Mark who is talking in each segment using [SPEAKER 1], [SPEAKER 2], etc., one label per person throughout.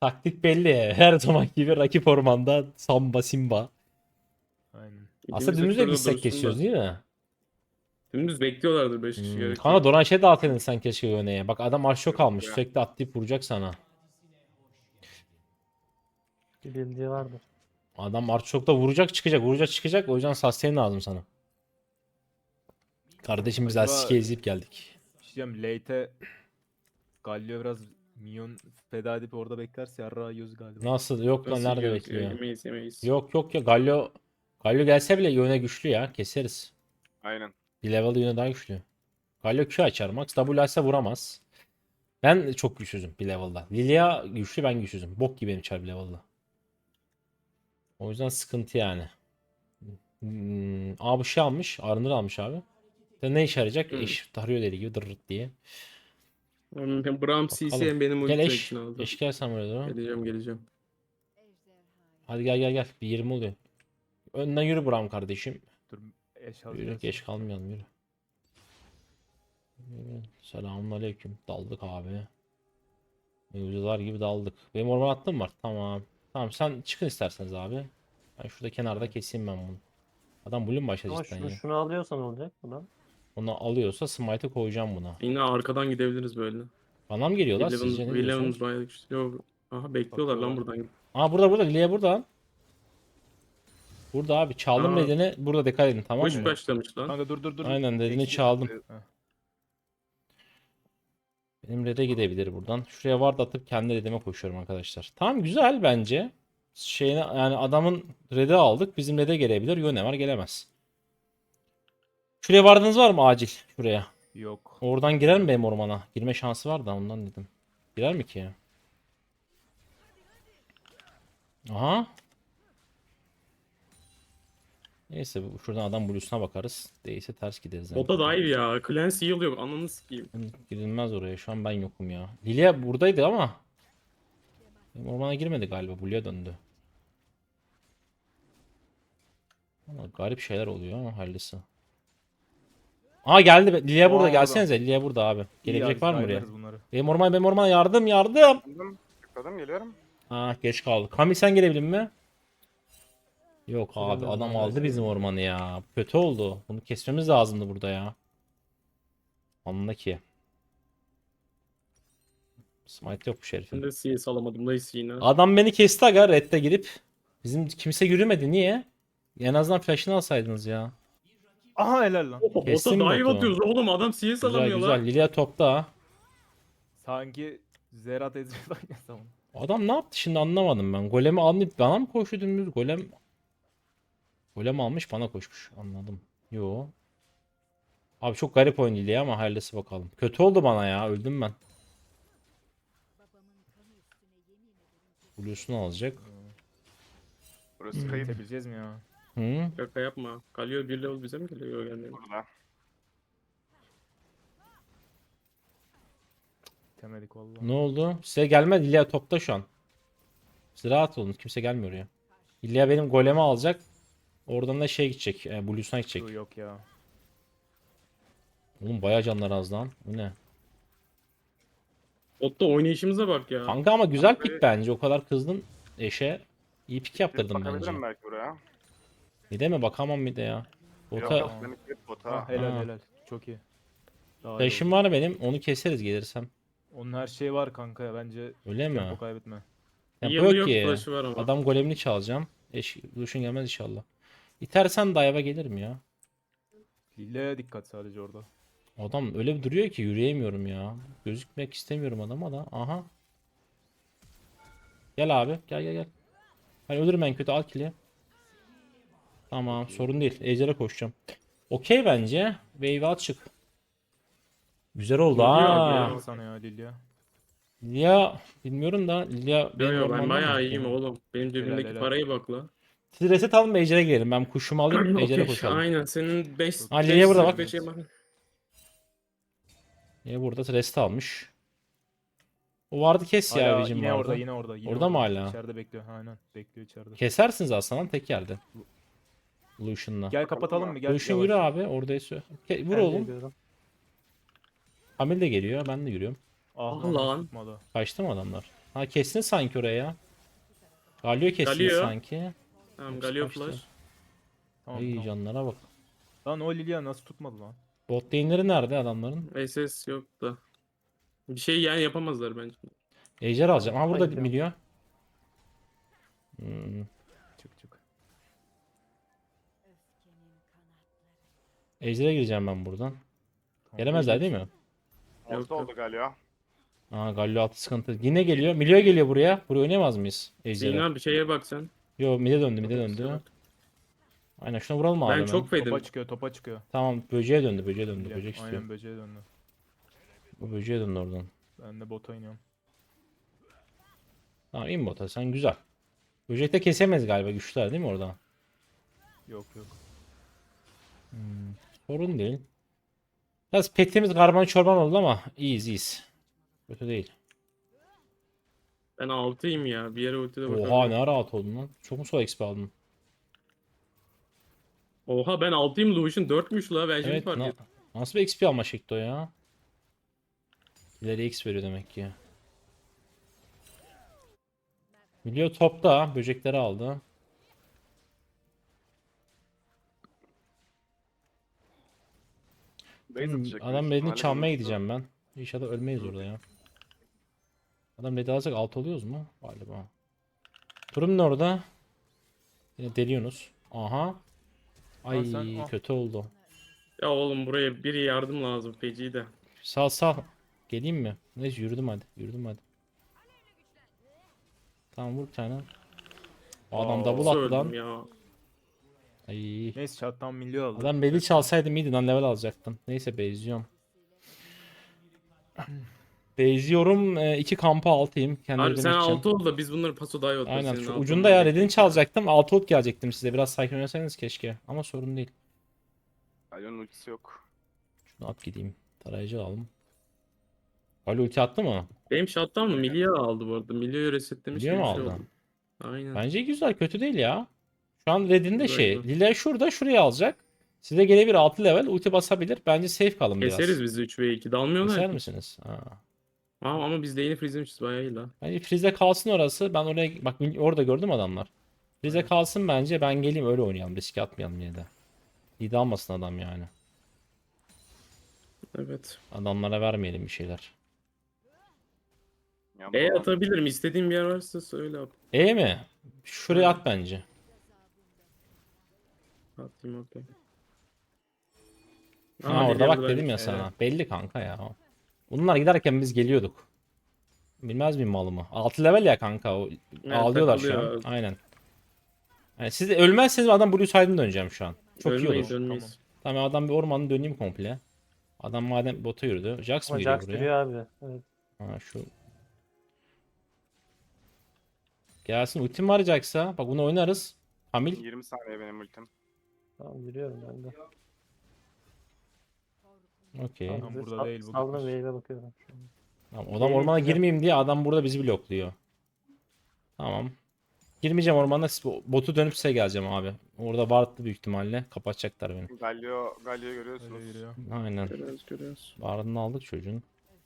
[SPEAKER 1] Taktik belli. Her zaman gibi rakip ormanda Samba Simba.
[SPEAKER 2] Aynen.
[SPEAKER 1] Aslında
[SPEAKER 3] İkimiz de
[SPEAKER 1] dümdüz de
[SPEAKER 3] şurada
[SPEAKER 1] gitsek
[SPEAKER 3] dursun
[SPEAKER 1] kesiyoruz
[SPEAKER 3] da.
[SPEAKER 1] değil mi?
[SPEAKER 3] Dümdüz bekliyorlardır 5 kişi gerek
[SPEAKER 1] Kanka
[SPEAKER 3] yok.
[SPEAKER 1] Doran şey dağıtırdın sen keşke Yone'ye. Bak adam arşo kalmış.
[SPEAKER 4] Ya.
[SPEAKER 1] Sürekli atlayıp vuracak sana.
[SPEAKER 5] Bir bildiği vardır.
[SPEAKER 1] Adam arşokta vuracak çıkacak. Vuracak çıkacak. O yüzden sustain lazım sana. Kardeşim biz
[SPEAKER 2] Acaba-
[SPEAKER 1] Asike'yi izleyip geldik.
[SPEAKER 2] Bir şey diyeceğim. Late'e Galio biraz minyon feda edip orada beklerse yarrağı yiyoruz galiba.
[SPEAKER 1] Nasıl? Yok lan
[SPEAKER 3] Nasıl
[SPEAKER 1] nerede
[SPEAKER 3] yiyoruz ya?
[SPEAKER 1] bekliyor?
[SPEAKER 3] Yemeyiz.
[SPEAKER 1] Yok ya Galio gelse bile Yone güçlü ya. Keseriz.
[SPEAKER 4] Aynen.
[SPEAKER 1] Bir level Yone daha güçlü. Galio Q açar. Max W açsa vuramaz. Ben çok güçsüzüm bir level'da. Lilia güçlü, ben güçsüzüm. Bok gibi benim çar bir level'da. O yüzden sıkıntı yani. Abi şey almış. Arınır almış abi. Ne işe yarayacak? Eş tarıyor dediği gibi dırırt diye.
[SPEAKER 3] Ben Braum CC
[SPEAKER 1] Bakalım.
[SPEAKER 3] benim
[SPEAKER 1] Gel
[SPEAKER 3] ulti
[SPEAKER 1] eş.
[SPEAKER 3] için aldım.
[SPEAKER 1] Eş gel sen buraya doğru.
[SPEAKER 3] Geleceğim.
[SPEAKER 1] Hadi gel. Bir 20 oluyor. Önden yürü Bram kardeşim.
[SPEAKER 2] Dur eş
[SPEAKER 1] Yürü
[SPEAKER 2] alacağız.
[SPEAKER 1] geç kalmayalım yürü. Selamünaleyküm. Daldık abi. Mevzular gibi daldık. Benim orman attım var. Tamam. Tamam sen çıkın isterseniz abi. Ben şurada kenarda keseyim ben bunu. Adam blue mu başladı
[SPEAKER 5] Ama
[SPEAKER 1] cidden
[SPEAKER 5] şunu,
[SPEAKER 1] ya.
[SPEAKER 5] şunu alıyorsan olacak buradan.
[SPEAKER 1] Onu alıyorsa smite'ı koyacağım buna.
[SPEAKER 3] Yine arkadan gidebiliriz böyle.
[SPEAKER 1] Bana mı geliyorlar sizce ne
[SPEAKER 3] Williams
[SPEAKER 1] diyorsunuz?
[SPEAKER 3] bayağı güçlü. Yok. Aha bekliyorlar lan
[SPEAKER 2] Bakıyorlar.
[SPEAKER 3] buradan.
[SPEAKER 1] Aa burada Lilia burada. Burada abi çaldım
[SPEAKER 3] Aa.
[SPEAKER 1] dediğini burada dikkat edin tamam
[SPEAKER 3] Hoş
[SPEAKER 1] mı?
[SPEAKER 3] başlamış lan.
[SPEAKER 2] Kanka dur.
[SPEAKER 1] Aynen, dediğini
[SPEAKER 2] Eksi-
[SPEAKER 1] çaldım.
[SPEAKER 2] Heh.
[SPEAKER 1] Benim red'e gidebilir buradan. Şuraya ward atıp kendi red'ime koşuyorum arkadaşlar. Tamam güzel bence. Şeyine yani adamın red'i aldık. Bizim red'e gelebilir. Yone var gelemez. Şuraya vardınız var mı acil? Şuraya.
[SPEAKER 2] Yok.
[SPEAKER 1] Oradan girer mi benim ormana? Girme şansı var da ondan dedim. Girer mi ki? Aha. Neyse şuradan adam blues'una bakarız. Değilse ters gideriz.
[SPEAKER 3] O da dive ya. Clancy heal yok. Ananı sikeyim.
[SPEAKER 1] Girilmez oraya. Şu an ben yokum ya. Lilia buradaydı ama. Benim ormana girmedi galiba. Blue'ya döndü. Ama garip şeyler oluyor ama hayırlısı. Aa geldi. Lilia burada.
[SPEAKER 2] Aa,
[SPEAKER 1] Gelsenize. Lilia burada abi.
[SPEAKER 2] İyi
[SPEAKER 1] Gelebilecek
[SPEAKER 2] ya,
[SPEAKER 1] var mı
[SPEAKER 2] biz
[SPEAKER 1] buraya?
[SPEAKER 2] oynarız bunları.
[SPEAKER 1] Benim ormana yardım.
[SPEAKER 4] Tıkladım geliyorum.
[SPEAKER 1] Ha geç kaldı. Kamil sen gelebilir mi? Yok abi
[SPEAKER 5] Gelemedim,
[SPEAKER 1] adam
[SPEAKER 5] ben
[SPEAKER 1] aldı
[SPEAKER 5] başladım.
[SPEAKER 1] bizim ormanı ya. Kötü oldu. Bunu kesmemiz lazımdı burada ya. Anla ki. Smite yok bu
[SPEAKER 3] Ben
[SPEAKER 1] herifin.
[SPEAKER 3] de CS alamadım. Nice yine.
[SPEAKER 1] Adam beni kesti aga redde girip. Bizim kimse yürümedi. Niye? En azından flash'ını alsaydınız ya.
[SPEAKER 2] Aha helal lan.
[SPEAKER 3] Oha, bota
[SPEAKER 1] Kesin
[SPEAKER 3] dive
[SPEAKER 1] botu.
[SPEAKER 3] atıyoruz oğlum. Adam CS
[SPEAKER 1] Güzel
[SPEAKER 3] alamıyor
[SPEAKER 1] güzel.
[SPEAKER 3] lan.
[SPEAKER 1] Lilia topta ha.
[SPEAKER 2] Sanki Zerat ezberden yazsam.
[SPEAKER 1] Adam ne yaptı şimdi anlamadım ben. Golemi almayıp bana mı koştu dümdüz? Golem almış bana koşmuş. Anladım. Yo. Abi çok garip oyun Lilia ama hayırlısı bakalım. Kötü oldu bana ya. Öldüm ben. Blue'sunu alacak.
[SPEAKER 4] Burası kayıp
[SPEAKER 2] Bitebileceğiz mi ya?
[SPEAKER 1] Hı?
[SPEAKER 3] Şaka yapma. Kalıyor bir level bize mi geliyor yani?
[SPEAKER 4] burada.
[SPEAKER 2] Bitemedik valla.
[SPEAKER 1] Ne oldu? Size gelmedi. Lilia topta şu an. Siz rahat olun. Kimse gelmiyor oraya. Lilia benim golemi alacak. Oradan da şey gidecek. Blue'suna gidecek.
[SPEAKER 2] Dur, yok ya.
[SPEAKER 1] Oğlum bayağı canlar az lan. Bu ne?
[SPEAKER 3] Botta oynayışımıza bak ya.
[SPEAKER 1] Kanka ama güzel
[SPEAKER 4] Abi-
[SPEAKER 1] pik bence. O kadar kızdın eşe. İyi pik yaptırdım bence.
[SPEAKER 4] Bakabilirim belki buraya.
[SPEAKER 1] Bir de mi? Bakamam bir de ya.
[SPEAKER 4] Yok
[SPEAKER 1] Bota
[SPEAKER 4] yok benim kayıp bota.
[SPEAKER 2] Ha, helal
[SPEAKER 1] Ha.
[SPEAKER 2] helal. Çok iyi. Daha iyi
[SPEAKER 1] flash'im
[SPEAKER 2] oldu.
[SPEAKER 1] var benim. Onu keseriz gelirsem.
[SPEAKER 2] Onun her şeyi var kanka ya. Bence
[SPEAKER 1] Öyle mi?
[SPEAKER 2] tempo kaybetme.
[SPEAKER 1] Tempo
[SPEAKER 3] Heal
[SPEAKER 1] yok ki.
[SPEAKER 3] flash'ı var ama.
[SPEAKER 1] Adam golemini çalacağım. Lucian gelmez inşallah. İtersen dive'a gelirim ya.
[SPEAKER 2] Lille'ye dikkat sadece orada.
[SPEAKER 1] Adam öyle bir duruyor ki yürüyemiyorum ya. Gözükmek istemiyorum adama da. Aha. Gel abi. Gel. Ben ölürüm en kötü al kill'i. Tamam sorun değil. Ejder'e koşacağım. Okey bence. Wave at çık. Güzel oldu
[SPEAKER 3] Geliyor
[SPEAKER 1] ha.
[SPEAKER 3] ya.
[SPEAKER 2] Helal sana ya Lilia.
[SPEAKER 1] Lilia bilmiyorum da Lilia
[SPEAKER 3] Yo
[SPEAKER 1] benim
[SPEAKER 3] yo ben
[SPEAKER 1] ormanda
[SPEAKER 3] bayağı
[SPEAKER 1] mı?
[SPEAKER 3] iyiyim oğlum. Benim cebimdeki
[SPEAKER 2] helal.
[SPEAKER 3] parayı bak la.
[SPEAKER 1] Siz reset alın Ejder'e girelim. Ben kuşumu alayım Ejder'e
[SPEAKER 3] Okey,
[SPEAKER 1] koşalım.
[SPEAKER 3] aynen senin 5
[SPEAKER 1] Ha, Lilia burada bak. Niye burada reset almış? O vardı kes ya
[SPEAKER 2] Hala
[SPEAKER 1] abicim
[SPEAKER 2] yine
[SPEAKER 1] vardı.
[SPEAKER 2] orada yine orada. Yine
[SPEAKER 1] Orada mı hala?
[SPEAKER 2] İçeride bekliyor. Aynen bekliyor içeride.
[SPEAKER 1] Kesersiniz aslında tek yerde. Lucian'la.
[SPEAKER 2] Gel kapatalım mı? Gel.
[SPEAKER 1] Lucian
[SPEAKER 2] yavaş.
[SPEAKER 1] yürü abi oradaysa. Vur
[SPEAKER 5] Ben
[SPEAKER 1] oğlum.
[SPEAKER 5] geliyorum.
[SPEAKER 1] Hamil de geliyor ben de yürüyorum.
[SPEAKER 2] Ah
[SPEAKER 3] Ah lan.
[SPEAKER 2] tutmadı.
[SPEAKER 1] Kaçtı mı adamlar? Ha kestin sanki oraya. Galio kestin
[SPEAKER 3] Galio.
[SPEAKER 1] sanki.
[SPEAKER 3] Tamam
[SPEAKER 1] Yoksa
[SPEAKER 3] Galio
[SPEAKER 1] kaçtı.
[SPEAKER 3] flash.
[SPEAKER 2] Tamam,
[SPEAKER 1] İyi
[SPEAKER 2] tamam.
[SPEAKER 1] canlara bak.
[SPEAKER 2] Lan o Lilia nasıl tutmadı lan?
[SPEAKER 1] Bot lane'leri nerede adamların?
[SPEAKER 3] SS yok da. Bir şey yani yapamazlar bence.
[SPEAKER 1] Ejder alacağım. Ha burada
[SPEAKER 5] Hayır ya.
[SPEAKER 1] milyon. Hmm.
[SPEAKER 2] Çık çık.
[SPEAKER 1] Ejder'e gireceğim ben buradan.
[SPEAKER 2] Tamam,
[SPEAKER 1] Gelemezler değil mi?
[SPEAKER 3] Yok,
[SPEAKER 4] Orta oldu
[SPEAKER 3] yok.
[SPEAKER 4] galiba.
[SPEAKER 1] Aa Galio altı sıkıntı. Yine geliyor. Milyo geliyor buraya. Buraya oynayamaz mıyız Ejder'e?
[SPEAKER 3] Zeyn abi şeye bak sen.
[SPEAKER 1] Yo mide döndü mide
[SPEAKER 3] Otobüse
[SPEAKER 1] döndü.
[SPEAKER 3] bak.
[SPEAKER 1] Aynen şuna vuralım abi
[SPEAKER 3] Ben
[SPEAKER 1] hemen.
[SPEAKER 3] çok fedim.
[SPEAKER 2] Topa çıkıyor, topa çıkıyor.
[SPEAKER 1] Tamam böceğe döndü böceğe döndü.
[SPEAKER 2] Lilia,
[SPEAKER 1] Böcek istiyor.
[SPEAKER 2] aynen böceğe döndü.
[SPEAKER 1] Bu böceğe döndü oradan.
[SPEAKER 2] Ben de bota iniyorum.
[SPEAKER 1] Tamam in bota sen güzel. Böcek de kesemez galiba güçler değil mi orada?
[SPEAKER 2] Yok yok.
[SPEAKER 1] Sorun değil. Biraz petimiz karman çorban oldu ama iyiyiz iyiyiz. Kötü değil.
[SPEAKER 3] Ben 6'yım ya. Bir yere ultide bakalım.
[SPEAKER 1] Oha ne rahat oldun lan. Çok mu sol XP aldın?
[SPEAKER 3] Oha ben 6'yım, Lucian 4'müş la. Ben şimdi
[SPEAKER 1] Evet
[SPEAKER 3] fark ettim.
[SPEAKER 1] nasıl bir XP alma şekli o ya? İleri X veriyor demek ki. Milyo topta böcekleri aldı.
[SPEAKER 4] Base atacak
[SPEAKER 1] Adam
[SPEAKER 4] büyük
[SPEAKER 1] redini
[SPEAKER 4] ihtimalle,
[SPEAKER 1] çalmaya
[SPEAKER 4] bilmiyorum.
[SPEAKER 1] gideceğim ben. İnşallah ölmeyiz orada ya. Adam redi alacak 6 oluyoruz mu? Galiba. Durum ne orada? Yine deliyorsunuz. Aha. Ay
[SPEAKER 2] sen al.
[SPEAKER 1] kötü oldu.
[SPEAKER 3] Ya oğlum buraya biri yardım lazım. Feci de.
[SPEAKER 1] Sal sal. Geleyim mi? Neyse yürüdüm hadi. Yürüdüm hadi. Tamam vur bir tane. Adam double
[SPEAKER 3] Nasıl
[SPEAKER 1] attı lan.
[SPEAKER 3] öldüm ya.
[SPEAKER 1] Ay.
[SPEAKER 2] Neyse chat'tan milli aldı.
[SPEAKER 1] Adam beli çalsaydı mıydı lan level alacaktım. Neyse bezliyorum. Bezliyorum. 2 kampa 6'yım. Kendi
[SPEAKER 3] Abi
[SPEAKER 1] redimi
[SPEAKER 3] sen
[SPEAKER 1] içeceğim.
[SPEAKER 3] 6 ol da biz bunları paso daha iyi atarız.
[SPEAKER 1] Aynen
[SPEAKER 3] Senin
[SPEAKER 1] şu
[SPEAKER 3] altın
[SPEAKER 1] ucunda ya
[SPEAKER 3] olmayı
[SPEAKER 1] redini
[SPEAKER 3] bekliyorum.
[SPEAKER 1] çalacaktım. 6 ult gelecektim size. Biraz sakin oynasaydınız keşke. Ama sorun değil.
[SPEAKER 4] Galio'nun ultisi yok.
[SPEAKER 1] Şunu at gideyim. Tarayıcı alalım. Ali ulti attı mı?
[SPEAKER 3] Benim shutdown mı? Milya aldı bu arada. Milya'yı resetlemiş
[SPEAKER 1] Milya
[SPEAKER 3] gibi
[SPEAKER 1] mı
[SPEAKER 3] bir şey
[SPEAKER 1] aldı?
[SPEAKER 3] oldu. Aynen.
[SPEAKER 1] Bence güzel. Kötü değil ya. Şu an redinde
[SPEAKER 3] Güzel,
[SPEAKER 1] şey.
[SPEAKER 3] güzel.
[SPEAKER 1] Lila şurada şuraya alacak. Size gelebilir 6 level. Ulti basabilir. Bence safe kalın biraz.
[SPEAKER 3] Keseriz biz de 3 ve 2. Dalmıyorlar
[SPEAKER 1] Keser
[SPEAKER 3] ki.
[SPEAKER 1] misiniz? Ha.
[SPEAKER 3] Ama biz de yeni freeze'lemişiz bayağı iyi la.
[SPEAKER 1] Bence freeze kalsın orası. Ben oraya bak orada gördüm adamlar. Freeze kalsın bence. Ben geleyim öyle oynayalım. Riske atmayalım yine de. İyi de almasın adam yani.
[SPEAKER 3] Evet.
[SPEAKER 1] Adamlara vermeyelim bir şeyler.
[SPEAKER 4] Ya,
[SPEAKER 3] E
[SPEAKER 4] bu-
[SPEAKER 3] atabilirim. İstediğin bir yer varsa söyle abi.
[SPEAKER 1] E mi? Şuraya at bence.
[SPEAKER 3] Atayım okey.
[SPEAKER 1] Ha orada bak dedim ya
[SPEAKER 2] Evet.
[SPEAKER 1] sana. Belli kanka ya. Bunlar giderken biz geliyorduk. Bilmez miyim malımı? 6 level ya kanka.
[SPEAKER 3] Evet,
[SPEAKER 1] Ağlıyorlar şu an.
[SPEAKER 3] takılıyor.
[SPEAKER 1] Aynen. Yani siz de ölmezseniz adam Blue Side'ın döneceğim şu an. Çok iyi
[SPEAKER 3] Ölmeyiz,
[SPEAKER 1] olur.
[SPEAKER 3] ölmeyiz.
[SPEAKER 1] Tamam adam bir ormanın döneyim komple. Adam madem bota yürüdü. Jax mı
[SPEAKER 5] Ama
[SPEAKER 1] geliyor
[SPEAKER 5] Jax
[SPEAKER 1] buraya?
[SPEAKER 5] geliyor abi. Evet.
[SPEAKER 1] Ha şu. Gelsin ultim var Jax'a. Bak bunu oynarız. Hamil.
[SPEAKER 4] 20 saniye benim ultim.
[SPEAKER 5] Tamam yürüyorum ben de.
[SPEAKER 1] Okey.
[SPEAKER 5] Tamam,
[SPEAKER 2] Tam
[SPEAKER 5] bize
[SPEAKER 2] burada değil bu
[SPEAKER 5] Saldım
[SPEAKER 2] kız.
[SPEAKER 5] wave'e bakıyorum. şu an.
[SPEAKER 1] Tamam, adam
[SPEAKER 5] Benim
[SPEAKER 1] ormana
[SPEAKER 5] güzel.
[SPEAKER 1] girmeyeyim diye adam burada bizi blokluyor. Tamam. Girmeyeceğim ormana. Botu dönüp size geleceğim abi. Orada vardı büyük ihtimalle. Kapatacaklar beni.
[SPEAKER 4] Galio görüyorsunuz.
[SPEAKER 2] Öyle yürüyor.
[SPEAKER 1] Aynen.
[SPEAKER 3] Görüyoruz.
[SPEAKER 1] Varını aldık çocuğun.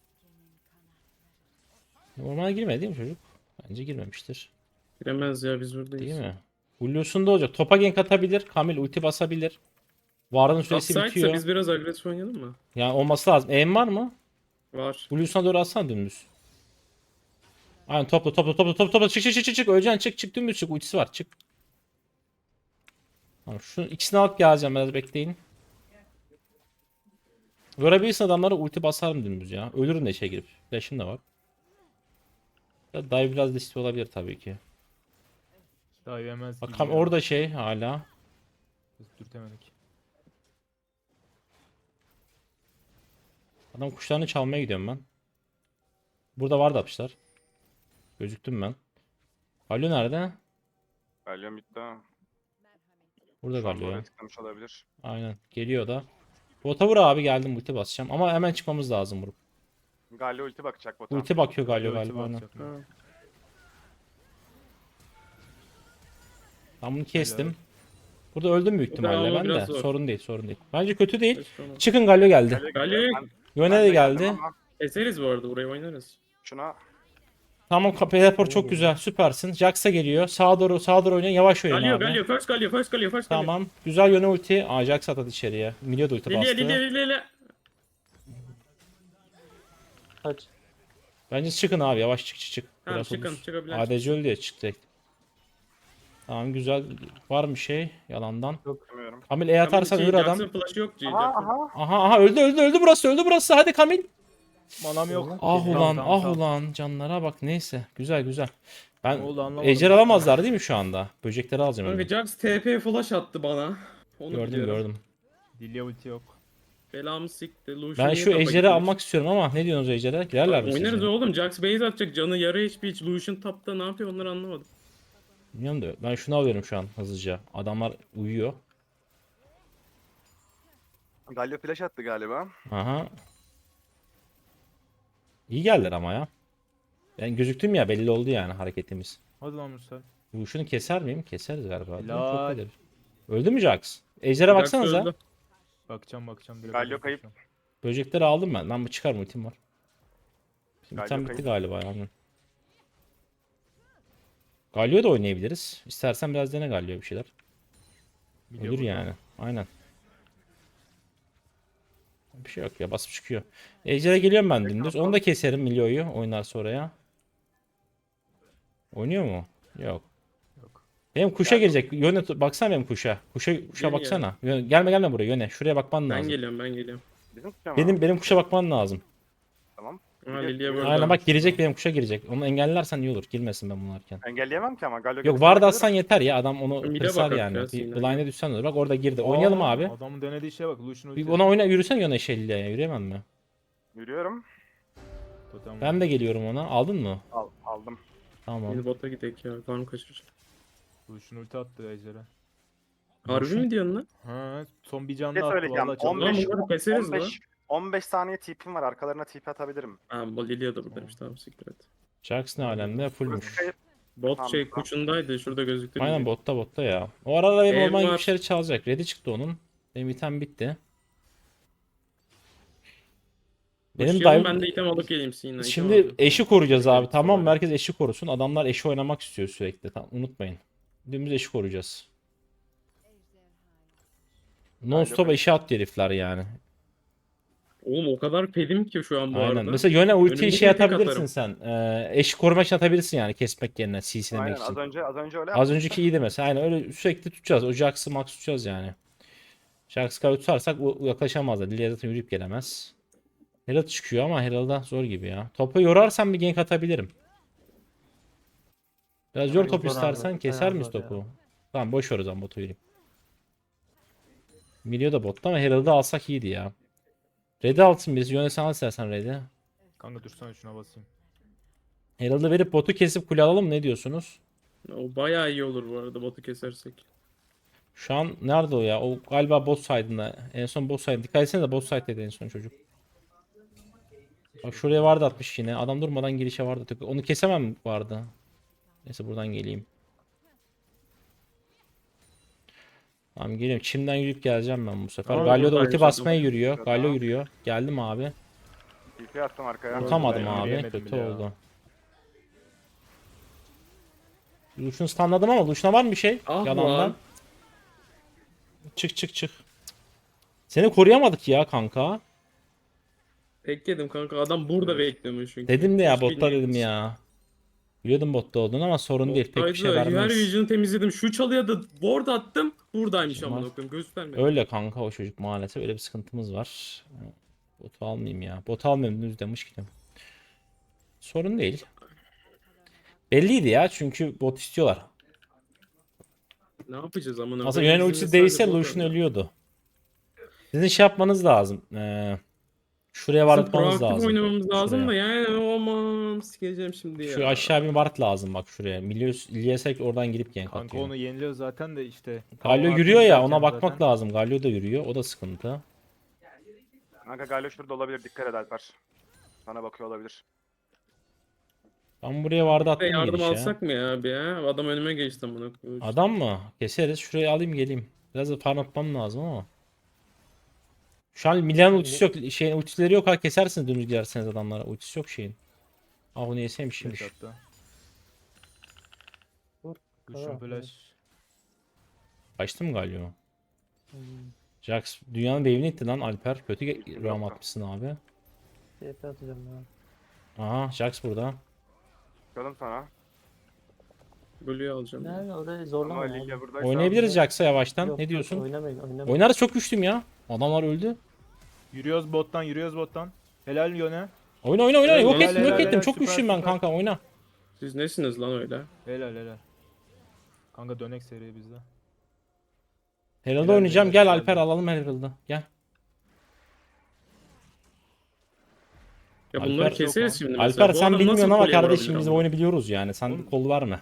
[SPEAKER 1] Ormana girmedi değil mi çocuk? Bence girmemiştir.
[SPEAKER 3] Giremez ya biz buradayız.
[SPEAKER 1] Değil mi? Blue'sunda olacak. Topa gank atabilir. Kamil ulti basabilir. Varın süresi
[SPEAKER 3] Offside'sa
[SPEAKER 1] bitiyor.
[SPEAKER 3] biz biraz agresif oynayalım mı?
[SPEAKER 1] Yani olması lazım. Aim var mı?
[SPEAKER 3] Var.
[SPEAKER 1] Blue'suna doğru atsana dümdüz. Aynen topla. Çık. Öleceksin çık dümdüz çık. Ultisi var çık. Tamam şu ikisini alıp geleceğim biraz bekleyin. Görebilirsin adamlara ulti basarım dümdüz ya. Ölürüm de işe girip. Flash'ım da var. Ya dive biraz riskli olabilir tabii ki.
[SPEAKER 2] Daha yemez gibi
[SPEAKER 1] Bakalım
[SPEAKER 2] ya.
[SPEAKER 1] orada şey hala.
[SPEAKER 2] Biz dürtemedik.
[SPEAKER 1] Adam kuşlarını çalmaya gidiyorum ben. Burada vardı atmışlar. Gözüktüm ben. Galio nerede?
[SPEAKER 4] Galio bitti.
[SPEAKER 1] Burada
[SPEAKER 4] Şu anda
[SPEAKER 1] Galio ya.
[SPEAKER 4] oraya tıklamış olabilir.
[SPEAKER 1] Aynen. Geliyor da. Bota vur abi geldim ulti basacağım. Ama hemen çıkmamız lazım vurup.
[SPEAKER 4] Galio ulti bakacak bota.
[SPEAKER 1] Ulti bakıyor Galio
[SPEAKER 2] Ulti
[SPEAKER 1] galiba. Aynen.
[SPEAKER 2] bakacak.
[SPEAKER 3] Ha.
[SPEAKER 1] Ben bunu kestim. Burada öldüm büyük
[SPEAKER 3] Burada
[SPEAKER 1] ihtimalle
[SPEAKER 3] ama
[SPEAKER 1] ben de.
[SPEAKER 3] biraz zor.
[SPEAKER 1] Sorun değil. Bence kötü değil.
[SPEAKER 3] Keşke onu-
[SPEAKER 1] Çıkın Galio geldi.
[SPEAKER 3] Galio
[SPEAKER 1] Yöne de
[SPEAKER 4] geldim
[SPEAKER 1] geldi.
[SPEAKER 4] ama
[SPEAKER 3] Keseriz bu arada, burayı oynarız.
[SPEAKER 4] Şuna
[SPEAKER 1] Tamam teleport çok güzel. Süpersin. Jax'a geliyor. Sağa doğru oynayın. Yavaş oynayın
[SPEAKER 3] Galio
[SPEAKER 1] abi.
[SPEAKER 3] Galio first Galio first Galio first Galio.
[SPEAKER 1] Tamam. Güzel yöne ulti. Aa Jax atadı içeriye. Milio da ulti
[SPEAKER 3] Lilia
[SPEAKER 1] bastı.
[SPEAKER 3] Lilia Lilia.
[SPEAKER 5] Kaç.
[SPEAKER 1] Bence çıkın abi. Yavaş çık.
[SPEAKER 3] Tamam
[SPEAKER 1] Biraz
[SPEAKER 3] çıkın
[SPEAKER 1] ulus.
[SPEAKER 3] çıkabilen.
[SPEAKER 1] ADC öldü ya çık direkt. Tamam güzel. Var mı şey yalandan?
[SPEAKER 4] Bilmiyorum.
[SPEAKER 1] Kamil E atarsan ölür adam.
[SPEAKER 3] Jackson flash'ı yok G.
[SPEAKER 4] Aha
[SPEAKER 3] Jackson.
[SPEAKER 4] aha.
[SPEAKER 1] Aha öldü burası. Hadi Kamil.
[SPEAKER 2] Manam yok.
[SPEAKER 1] Ah
[SPEAKER 2] Tamam,
[SPEAKER 1] ulan
[SPEAKER 2] tamam, tamam.
[SPEAKER 1] ulan canlara bak neyse. Güzel. Ben
[SPEAKER 2] Ne oldu anlamadım.
[SPEAKER 1] ejder alamazlar değil mi şu anda? Böcekleri alacağım
[SPEAKER 3] Kanka
[SPEAKER 1] önce.
[SPEAKER 3] Jax TP flash attı bana. Onu biliyorum.
[SPEAKER 1] Gördüm.
[SPEAKER 2] Lilia ulti yok.
[SPEAKER 3] Belamı sikti. Lucian
[SPEAKER 1] Ben
[SPEAKER 3] niye
[SPEAKER 1] şu
[SPEAKER 3] tapa
[SPEAKER 1] ejderi
[SPEAKER 3] gitmiş?
[SPEAKER 1] almak istiyorum ama ne diyorsunuz ejdere? Girerler mi
[SPEAKER 3] Oynarız
[SPEAKER 1] sizce?
[SPEAKER 3] oğlum. Jax base atacak. Canı yarı HP. Hiç Lucian tapta ne yapıyor onları anlamadım.
[SPEAKER 1] Bilmiyorum da ben şunu alıyorum şu an hızlıca. Adamlar uyuyor.
[SPEAKER 4] Galio flash attı galiba.
[SPEAKER 1] Aha. İyi geldiler ama ya. Ben gözüktüm ya belli oldu yani hareketimiz.
[SPEAKER 2] Hadi lan Musa.
[SPEAKER 1] Bu şunu keser miyim? Keseriz galiba.
[SPEAKER 2] Helal.
[SPEAKER 1] Çok iyidir. Öldü mü Jax? Ejder'e
[SPEAKER 3] Jax
[SPEAKER 1] baksanıza.
[SPEAKER 3] öldü.
[SPEAKER 2] Bakacağım. Direkt
[SPEAKER 4] Galio kayıp.
[SPEAKER 2] bakacağım.
[SPEAKER 1] Böcekleri aldım ben. Lan bu çıkar mı ultim var. Şimdi
[SPEAKER 4] Galio
[SPEAKER 1] item bitti
[SPEAKER 4] kayıp.
[SPEAKER 1] galiba yani. Galio da oynayabiliriz. İstersen biraz dene Galio bir şeyler.
[SPEAKER 2] Milio
[SPEAKER 1] Olur
[SPEAKER 2] burada.
[SPEAKER 1] yani. Aynen. Bir şey yok ya basıp çıkıyor. Ejder'e geliyorum ben dümdüz. Onu da keserim Milio'yu oynarsa oraya. Oynuyor mu? Yok.
[SPEAKER 2] Yok.
[SPEAKER 1] Benim kuşa gelecek. Yöne baksana benim kuşa. Kuşa
[SPEAKER 3] Gel,
[SPEAKER 1] baksana. Gelme buraya yöne. Şuraya bakman
[SPEAKER 3] Ben
[SPEAKER 1] lazım.
[SPEAKER 3] geliyorum.
[SPEAKER 4] Bizim tutacağım
[SPEAKER 1] Benim kuşa bakman lazım.
[SPEAKER 4] Tamam.
[SPEAKER 3] Ha Lilia burada.
[SPEAKER 1] Aynen bak girecek benim kuşa girecek. Onu engellersen iyi olur. Girmesin ben bunlarken.
[SPEAKER 4] Engelleyemem ki ama Galio
[SPEAKER 1] Yok
[SPEAKER 4] götürüp
[SPEAKER 1] var da
[SPEAKER 4] bırakılır.
[SPEAKER 1] atsan yeter ya. Adam onu
[SPEAKER 3] Bir de
[SPEAKER 1] kırsar
[SPEAKER 3] bakar
[SPEAKER 1] yani.
[SPEAKER 3] biraz
[SPEAKER 1] Bir
[SPEAKER 3] yine.
[SPEAKER 1] blind'e düşsen olur. Bak orada girdi. Oynayalım
[SPEAKER 2] Aa,
[SPEAKER 1] abi.
[SPEAKER 2] Adamın denediği şeye bak. Lucian
[SPEAKER 1] Bir
[SPEAKER 2] ulti.
[SPEAKER 1] ona oyna yürüsen yöne şelliye. Yürüyemem mi?
[SPEAKER 4] Yürüyorum.
[SPEAKER 2] Totem
[SPEAKER 1] Ben de geliyorum ona. Aldın mı?
[SPEAKER 4] Aldım.
[SPEAKER 1] Tamam.
[SPEAKER 3] Yeni bota gidelim ya. Karnım kaçıracak.
[SPEAKER 2] Lucian ulti attı ejdere.
[SPEAKER 3] Harbi mi diyorsun lan?
[SPEAKER 2] Ha, son bir
[SPEAKER 4] Ne
[SPEAKER 2] canlı attı
[SPEAKER 4] söyleyeceğim?
[SPEAKER 2] vallahi çok.
[SPEAKER 4] 15
[SPEAKER 3] bunları keseriz lan.
[SPEAKER 4] 15 saniye TP'm var. Arkalarına TP atabilirim.
[SPEAKER 3] Ha bu Lilia da buradaymış. Tamam siktir et.
[SPEAKER 1] Jax ne alemde?
[SPEAKER 4] Burası
[SPEAKER 1] Fullmuş.
[SPEAKER 4] kayıp.
[SPEAKER 3] Bot
[SPEAKER 4] Tamam,
[SPEAKER 3] şey
[SPEAKER 4] tamam.
[SPEAKER 3] kuçundaydı. Şurada gözüktü.
[SPEAKER 1] Aynen
[SPEAKER 3] Lilia.
[SPEAKER 1] botta ya. O arada benim
[SPEAKER 3] Benim
[SPEAKER 1] orman gibi
[SPEAKER 3] var.
[SPEAKER 1] bir şeyler çalacak. Red'i çıktı onun. Benim item bitti. Benim
[SPEAKER 3] Başlayalım,
[SPEAKER 1] dive...
[SPEAKER 3] ben de item alıp geleyim Sinan'a. item
[SPEAKER 1] Şimdi
[SPEAKER 3] alacağım.
[SPEAKER 1] eşi koruyacağız abi.
[SPEAKER 2] Evet,
[SPEAKER 1] Tamam mı?
[SPEAKER 2] sonra.
[SPEAKER 1] Herkes eşi korusun. Adamlar eşi oynamak istiyor sürekli. Tamam, unutmayın. Dümdüz eşi koruyacağız. Non stop eşi at herifler yani.
[SPEAKER 3] Oğlum o kadar pedim ki şu an bu
[SPEAKER 1] Aynen.
[SPEAKER 3] arada.
[SPEAKER 1] Mesela yöne ultiyi
[SPEAKER 3] Önümde
[SPEAKER 1] şey
[SPEAKER 3] tek
[SPEAKER 1] atabilirsin
[SPEAKER 3] atarım.
[SPEAKER 1] sen. Eşi korumak için atabilirsin yani kesmek yerine CC'lemek
[SPEAKER 4] Aynen
[SPEAKER 1] için.
[SPEAKER 4] az önce öyle
[SPEAKER 1] Az
[SPEAKER 4] yaptım.
[SPEAKER 1] önceki iyiydi mesela. Aynen öyle sürekli tutacağız. O Jax'ı max tutacağız yani. Jax'ı kadar tutarsak yaklaşamazlar. Lilia zaten yürüyüp gelemez. Herald çıkıyor ama Herald'a zor gibi ya. Topu yorarsam bir gank atabilirim. Biraz yor
[SPEAKER 5] Çok
[SPEAKER 1] top
[SPEAKER 5] zor abi,
[SPEAKER 1] istersen keser
[SPEAKER 5] bayağı
[SPEAKER 1] miyiz
[SPEAKER 5] zor ya.
[SPEAKER 1] topu? Tamam boş ver o zaman botu yürüyeyim. Milio da botta ama Herald'ı alsak iyiydi ya. Red'i alsın biz. Yöne sen al istersen Red'i.
[SPEAKER 2] Kanka dursana şuna basayım.
[SPEAKER 1] Herald'ı verip botu kesip kule alalım mı? Ne diyorsunuz?
[SPEAKER 3] O bayağı iyi olur bu arada botu kesersek.
[SPEAKER 1] Şu an nerede o ya? O galiba bot side'ında. En son bot side. Dikkat etsene de bot side'deydi en son çocuk. Bak şuraya vardı atmış yine. Adam durmadan girişe vardı. Onu kesemem vardı. Neyse buradan geleyim. Tamam geliyorum. Çimden yürüyüp geleceğim ben bu sefer.
[SPEAKER 3] Tamam,
[SPEAKER 1] Galio da
[SPEAKER 3] buradaymış
[SPEAKER 1] ulti basmaya
[SPEAKER 3] adam.
[SPEAKER 1] yürüyor.
[SPEAKER 4] Tamam.
[SPEAKER 1] Galio yürüyor. Geldim abi.
[SPEAKER 4] TP attım arkaya.
[SPEAKER 1] Tutamadım
[SPEAKER 2] ben
[SPEAKER 1] abi.
[SPEAKER 2] yürüyemedim
[SPEAKER 1] Kötü
[SPEAKER 2] bile ya.
[SPEAKER 1] oldu. Lucian'ı stunladım ama Lucian'a var mı bir şey?
[SPEAKER 3] Ah
[SPEAKER 1] Yalandan.
[SPEAKER 3] lan.
[SPEAKER 1] Çık. Seni koruyamadık ya kanka.
[SPEAKER 3] Tek yedim kanka. Adam burada bekliyormuş çünkü.
[SPEAKER 1] Dedim de ya
[SPEAKER 3] Hiç
[SPEAKER 1] botta dedim
[SPEAKER 3] bilmiyoruz.
[SPEAKER 1] ya. Biliyordum botta olduğunu ama sorun değil. Pek bir şey
[SPEAKER 3] Bottaydı, her
[SPEAKER 1] vermez.
[SPEAKER 3] region'ı temizledim. Şu çalıya da ward attım. Buradaymış
[SPEAKER 1] Var.
[SPEAKER 3] amına koyayım. Göstermedi.
[SPEAKER 1] Öyle kanka o çocuk maalesef öyle bir sıkıntımız var. Botu almayayım ya. Botu almayayım düz demiş ki. Sorun değil. Belliydi ya çünkü bot istiyorlar.
[SPEAKER 3] Ne yapacağız amına
[SPEAKER 1] Aslında
[SPEAKER 3] koyayım?
[SPEAKER 1] yönen
[SPEAKER 3] Bizim
[SPEAKER 1] ultisi
[SPEAKER 3] de
[SPEAKER 1] değilse
[SPEAKER 3] sadece bot
[SPEAKER 1] Lucian
[SPEAKER 3] var.
[SPEAKER 1] ölüyordu. Sizin şey yapmanız lazım. Şuraya
[SPEAKER 3] Bizim
[SPEAKER 1] vartmanız
[SPEAKER 3] proaktif
[SPEAKER 1] lazım.
[SPEAKER 3] oynamamız lazım da
[SPEAKER 1] Şuraya.
[SPEAKER 3] yani aman sikeceğim şimdi ya.
[SPEAKER 1] Şu aşağı bir ward lazım bak şuraya. Ilyasek oradan girip gank
[SPEAKER 2] Kanka
[SPEAKER 1] atıyor.
[SPEAKER 2] onu yeniliyor zaten de işte.
[SPEAKER 1] Galio
[SPEAKER 2] Tamam,
[SPEAKER 1] yürüyor ya
[SPEAKER 2] atayım
[SPEAKER 1] ona
[SPEAKER 2] zaten.
[SPEAKER 1] bakmak lazım. Galio da yürüyor. O da sıkıntı.
[SPEAKER 4] Kanka Galio şurada olabilir. Dikkat et Alper. Sana bakıyor olabilir.
[SPEAKER 1] Ben buraya ward
[SPEAKER 3] Ve
[SPEAKER 1] attım
[SPEAKER 3] yardım
[SPEAKER 1] girişe.
[SPEAKER 3] alsak mı ya abi ya? Adam önüme geçti amına koyayım.
[SPEAKER 1] Adam mı? Keseriz. Şuraya alayım geleyim. Biraz da farm atmam lazım ama. Şu an Milan ultisi yok. Şeyin ultileri yok ha kesersiniz dümdüz girerseniz adamlara. Ultisi yok şeyin. Ah onu yeseymiş şimdi.
[SPEAKER 2] Flash attı.
[SPEAKER 5] Vur.
[SPEAKER 2] Lucian
[SPEAKER 5] Tamam,
[SPEAKER 2] flash.
[SPEAKER 1] Kaçtı mı galiba?
[SPEAKER 5] Hmm.
[SPEAKER 1] Jax dünyanın wave'ini itti lan Alper. Kötü
[SPEAKER 4] Yok.
[SPEAKER 1] roam atmışsın abi.
[SPEAKER 5] TP atacağım ya.
[SPEAKER 1] Aha Jax burada.
[SPEAKER 4] Bakalım sana.
[SPEAKER 3] Blue'yu alacağım.
[SPEAKER 5] Ne orada
[SPEAKER 4] Ama
[SPEAKER 5] zorlama ya.
[SPEAKER 4] Lilia buradaysa.
[SPEAKER 1] Oynayabiliriz Jax'a yavaştan.
[SPEAKER 5] Yok,
[SPEAKER 1] Ne
[SPEAKER 5] yok,
[SPEAKER 1] diyorsun?
[SPEAKER 5] oynamayın oynamayın.
[SPEAKER 1] Oynarız, çok güçlüyüm ya. Adamlar öldü.
[SPEAKER 2] Yürüyoruz bottan, yürüyoruz bottan. Helal Yone.
[SPEAKER 1] Oyna oyna oyna. Yok
[SPEAKER 3] Helal,
[SPEAKER 1] ettim yok
[SPEAKER 2] helal,
[SPEAKER 1] ettim.
[SPEAKER 2] helal,
[SPEAKER 1] Çok
[SPEAKER 2] süper,
[SPEAKER 1] güçlüyüm ben
[SPEAKER 2] süper.
[SPEAKER 1] kanka, oyna.
[SPEAKER 3] Siz nesiniz lan öyle?
[SPEAKER 2] Helal helal. Kanka dönek seri bizde.
[SPEAKER 1] Herald'ı
[SPEAKER 2] Helal,
[SPEAKER 1] oynayacağım.
[SPEAKER 2] helal,
[SPEAKER 1] Gel
[SPEAKER 2] helal.
[SPEAKER 1] Alper, alalım Herald'ı. Gel.
[SPEAKER 3] Ya
[SPEAKER 1] Alper
[SPEAKER 3] bunları
[SPEAKER 1] çok
[SPEAKER 3] keseriz
[SPEAKER 2] al.
[SPEAKER 3] şimdi mesela.
[SPEAKER 1] Alper
[SPEAKER 3] Bu
[SPEAKER 1] sen
[SPEAKER 3] adam
[SPEAKER 1] bilmiyorsun
[SPEAKER 3] nasıl
[SPEAKER 1] ama
[SPEAKER 3] kuleye
[SPEAKER 1] kardeşim
[SPEAKER 3] vurabilir
[SPEAKER 1] biz bu
[SPEAKER 3] ama?
[SPEAKER 1] oyunu biliyoruz yani. Sen
[SPEAKER 2] Oğlum-
[SPEAKER 1] kol verme.